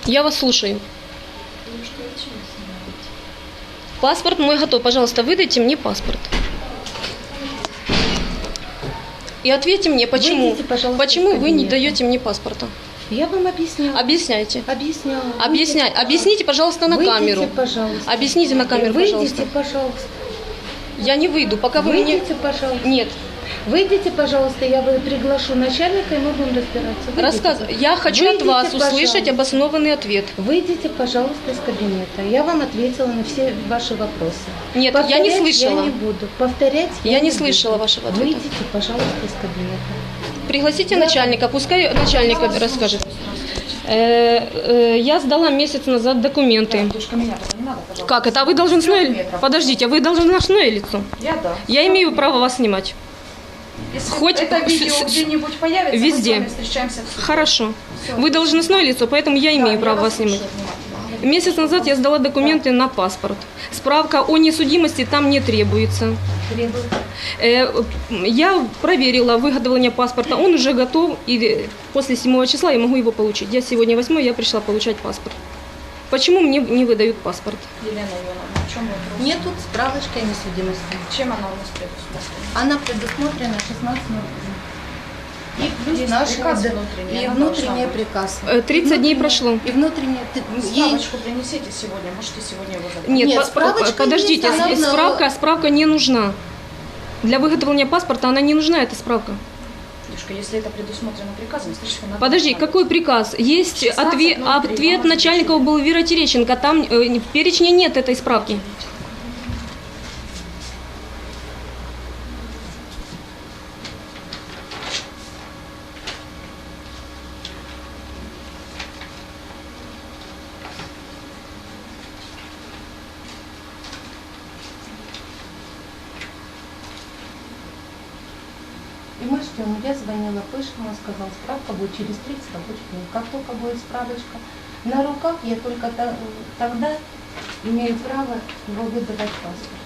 Я вас слушаю. Паспорт мой готов. Пожалуйста, выдайте мне паспорт. И ответьте мне, почему, Выйдите, почему вы не кабинета. даете мне паспорта? Я вам объясняла. Объясняйте. Объясняла. Объясните, пожалуйста, на камеру. Выйдите, пожалуйста. Объясните на камеру, Выйдите, пожалуйста. пожалуйста. Я не выйду, пока вы мне... Выйдите, пожалуйста. Нет. Выйдите, пожалуйста, я приглашу начальника, и мы будем разбираться. Выйдите. Я хочу от Выйдите, вас пожалуйста. услышать обоснованный ответ. Выйдите, пожалуйста, из кабинета. Я вам ответила на все ваши вопросы. Нет, Повторять я не слышала. Я не буду. Повторять Я не буду. слышала вашего ответа. Выйдите, пожалуйста, из кабинета. Пригласите начальника, пускай начальник расскажет. Я сдала месяц назад документы. Как это? А вы должностное... Подождите, вы должностное лицо? Да. Я имею право вас снимать. Если Хоть это видео где-нибудь появится, везде. мы с вами встречаемся в суде. Хорошо. Всё. Вы должностное лицо, поэтому я имею Да, право я вас снимать. слушаю внимательно. Месяц назад я сдала документы на паспорт. Справка о несудимости там не требуется. Я проверила выготовление паспорта, он уже готов, и после 7 числа я могу его получить. Я сегодня 8, я пришла получать паспорт. Почему мне не выдают паспорт? Елена Ивановна, в чем вопрос? Мне тут справочка о несудимости. Чем она у нас предусмотрена? Она предусмотрена 16 И плюс Есть наш приказ и внутренний, она внутренний должна быть. приказ. 30 дней прошло. И внутренний... Справочку принесите сегодня, можете сегодня его забрать. Нет, справочка подождите, есть, она справка не нужна. Для выготовления паспорта она не нужна, эта справка. Девушка, если это предусмотрено приказом, значит, она Подожди, должна какой приказ? Есть 16:03, ответ вам начальника был Вера Терещенко, там в перечне нет этой справки. И мы ждем. Я звонила Пышкину, он сказал, справка будет через 30 рабочих дней. Как только будет справочка на руках, я только тогда имею право его выдавать паспорт.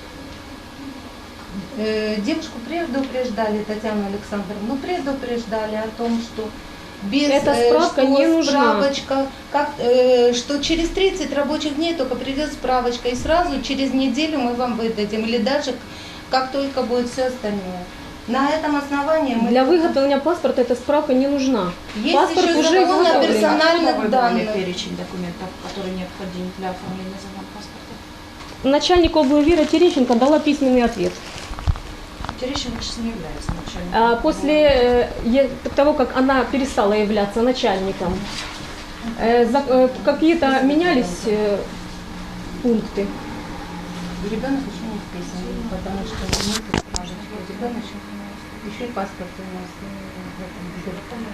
Девушку предупреждали, Татьяну Александровну, предупреждали о том, что без Эта справка что не нужна. справочка, что через 30 рабочих дней только придет справочка, и сразу через неделю мы вам выдадим, или даже как только будет все остальное. На этом основании мы... Для выготовления паспорта эта справка не нужна. Есть Паспорт еще уже закон о изготовлен. персональных выбрали данных. перечень документов, которые необходимы для оформления загранпаспорта. Начальник области Вера Терещенко дала письменный ответ. Терещенко сейчас не является начальником. После того, как она перестала являться начальником, какие-то менялись пункты. Ребенок еще не вписан, потому что мы тут скажем, что ребенок еще и паспорт у нас в этом телефоне.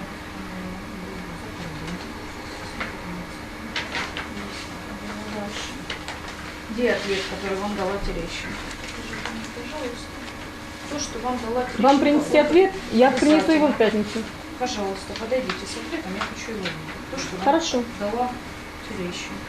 Где ответ, который вам дала Терещенко? Пожалуйста. То, что вам дала Терещенко. Вам принести ответ? Я принесу его в пятницу. Пожалуйста, подойдите с ответом, я хочу его видеть. То, что Хорошо. вам дала Терещенко.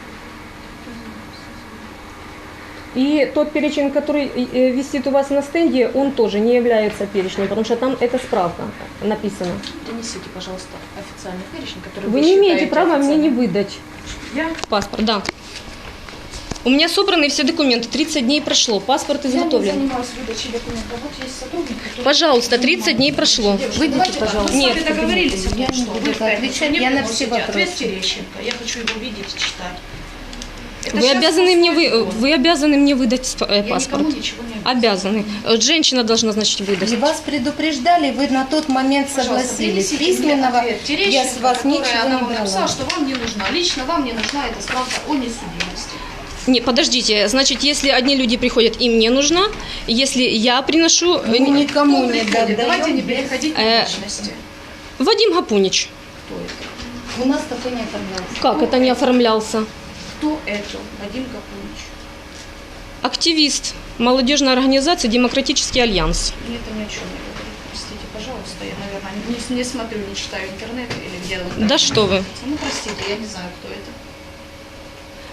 И тот перечень, который висит у вас на стенде, он тоже не является перечнем, потому что там эта справка написана. Принесите, пожалуйста, официальный перечень, который Вы не имеете считаете права мне не официальным. выдать Я? паспорт, да. У меня собраны все документы, 30 дней прошло, паспорт Я не изготовлен. занимаюсь выдачей документов. Вот есть сотрудник, который... Пожалуйста, 30 дней прошло. Девушка, Выйдите, давайте так, пожалуйста. Мы с Нет, вами договорились о том, я не что буду вы в пятницу отвечать, мне я на все приносите ответ вопросы. Терещенко. Я хочу его видеть, читать. Это Вы сейчас обязаны, пустой сон. вы обязаны мне выдать Я паспорт. никому ничего не обязана. Обязаны. Женщина должна, значит, выдать. И вас предупреждали, вы на тот момент Пожалуйста, согласились. принесите Письменного мне ответ я Терещенко, с вас который ничего она не вам написала, брала. что вам не нужна. Лично вам не нужна эта справка о несудимости. Не, подождите, значит, если одни люди приходят, им не нужна, если я приношу... Мы никому Кто не приходит? Давайте не даем. переходить на личности. Вадим Гапунич. Кто это? У нас такой не оформлялся. Как это не оформлялся? Кто это? Вадим Гапунич. Активист молодежной организации «Демократический альянс». Мне это ни о чем не говорит. Простите, пожалуйста, я, наверное, не смотрю, не читаю интернет или где он. Да что вы. Ну, простите, я не знаю, кто это.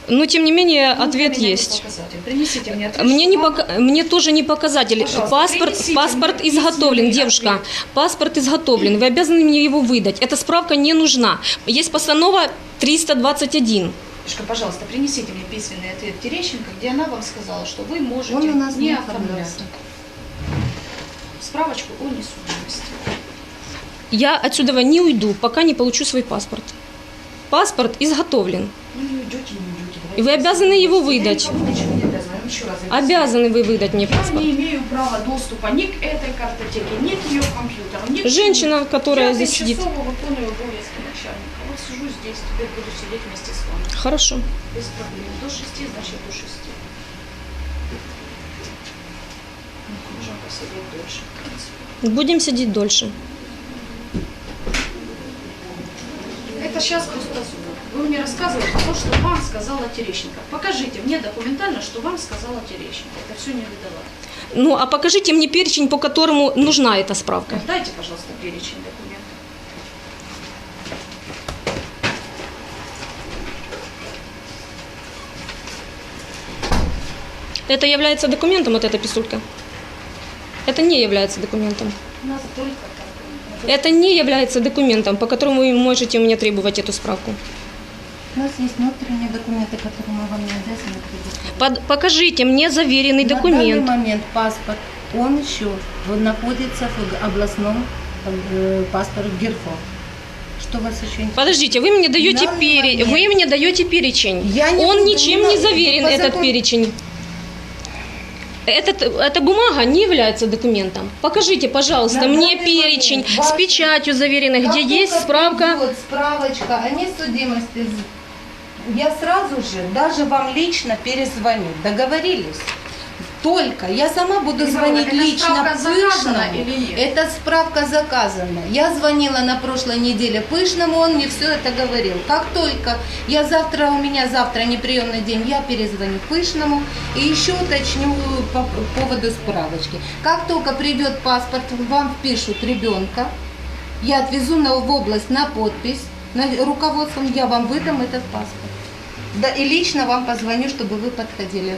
Но, тем не менее, Ну, для ответ меня не есть. показатель. Принесите мне ответ. Мне, что не вам- мне тоже не показатель. Пожалуйста, принесите Паспорт мне изготовлен, письменный девушка. ответ. Паспорт изготовлен. Вы обязаны мне его выдать. Эта справка не нужна. Есть постанова 321. Девушка, пожалуйста, принесите мне письменный ответ Терещенко, где она вам сказала, что вы можете Он у нас не не оформлять оформлялся. справочку о несудимости. Я отсюда не уйду, пока не получу свой паспорт. Паспорт изготовлен. Ну, не уйдете, не уйдете. И вы обязаны его выдать. Я никому ничего не обязана. Я вам еще раз объясню. Обязаны вы выдать мне Я паспорт. не имею права доступа ни к этой картотеке, ни к ее компьютеру, ни к Женщина, которая я здесь сидит. тимчасово выполняю обовязки начальника. Вот сижу здесь, теперь буду сидеть вместе с вами. Хорошо. Без проблем. До 6, значит до 6. Можем посидеть дольше, в принципе. Будем сидеть дольше. Это сейчас просто звук. Вы мне рассказываете то, что вам сказала Терещенко. Покажите мне документально, что вам сказала Терещенко. Это все не выдавать. Ну, а покажите мне перечень, по которому нужна эта справка. Дайте, пожалуйста, перечень документов. Это является документом, вот эта писулька? Это не является документом. У нас только так. Это не является документом, по которому вы можете у меня требовать эту справку. У нас есть внутренние документы, которые мы вам не обязаны предоставить. Покажите мне заверенный На документ. данный момент паспорт, он еще находится в областном паспорте ГИРФО. Что вас еще интересует? Подождите, вы мне даете Данный момент. вы мне даете перечень. Я не Он буду, ничем не не надо, заверен, по этот закону. перечень. Эта бумага не является документом. Покажите, пожалуйста, На мне данный перечень момент с ваши- печатью заверенной, Как где только есть справка. придет справочка о несудимости, я сразу же даже вам лично перезвоню. Договорились? Только я сама буду Ивановна, звонить эта лично справка заказана Пышному. или нет? Эта справка заказана. Я звонила на прошлой неделе Пышному, он мне все это говорил. Как только у меня завтра неприемный день, я перезвоню Пышному и еще уточню по поводу справочки. Как только придет паспорт, вам впишут ребенка, я отвезу в область на подпись, руководством я вам выдам этот паспорт. Да, и лично вам позвоню, чтобы вы подходили.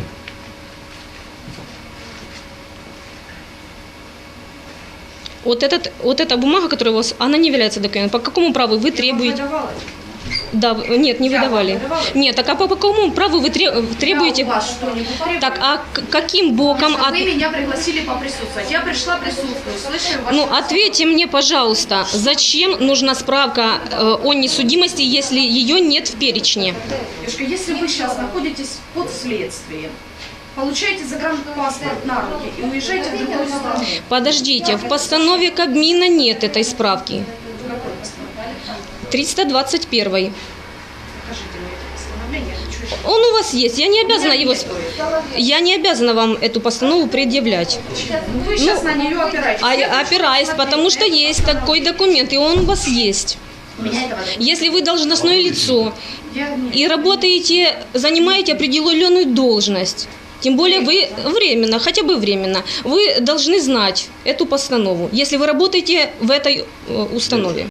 Вот эта бумага, которая у вас, она не является документом. По какому праву вы требуете? Да, нет, не Я вам выдавали. выдавала? Нет, так а по какому праву вы требуете? Я у вас что-нибудь требую? Так, а каким боком? Вы меня пригласили поприсутствовать. Я пришла, присутствую, слышим ваши Ну, слова. ответьте мне, пожалуйста, зачем нужна справка о несудимости, если ее нет в перечне? Девушка, если вы сейчас находитесь под следствием, получаете загранпаспорт на руки и уезжаете в другую страну. Подождите, в постанове Кабмина нет этой справки. Какой постановление? 321. Покажите мне это постановление, я хочу еще. Он у вас есть, я не обязана его... Нет, Я не обязана вам эту постанову предъявлять. ну, вы сейчас на нее опираетесь. А Я я опираюсь, хочу потому что посмотреть есть эту такой документ, и он у вас есть. постановление. У меня этого документа Если вы должностное лицо Я не- и работаете, занимаете определенную должность, тем более вы временно, хотя бы временно, вы должны знать эту постанову, если вы работаете в этой установе.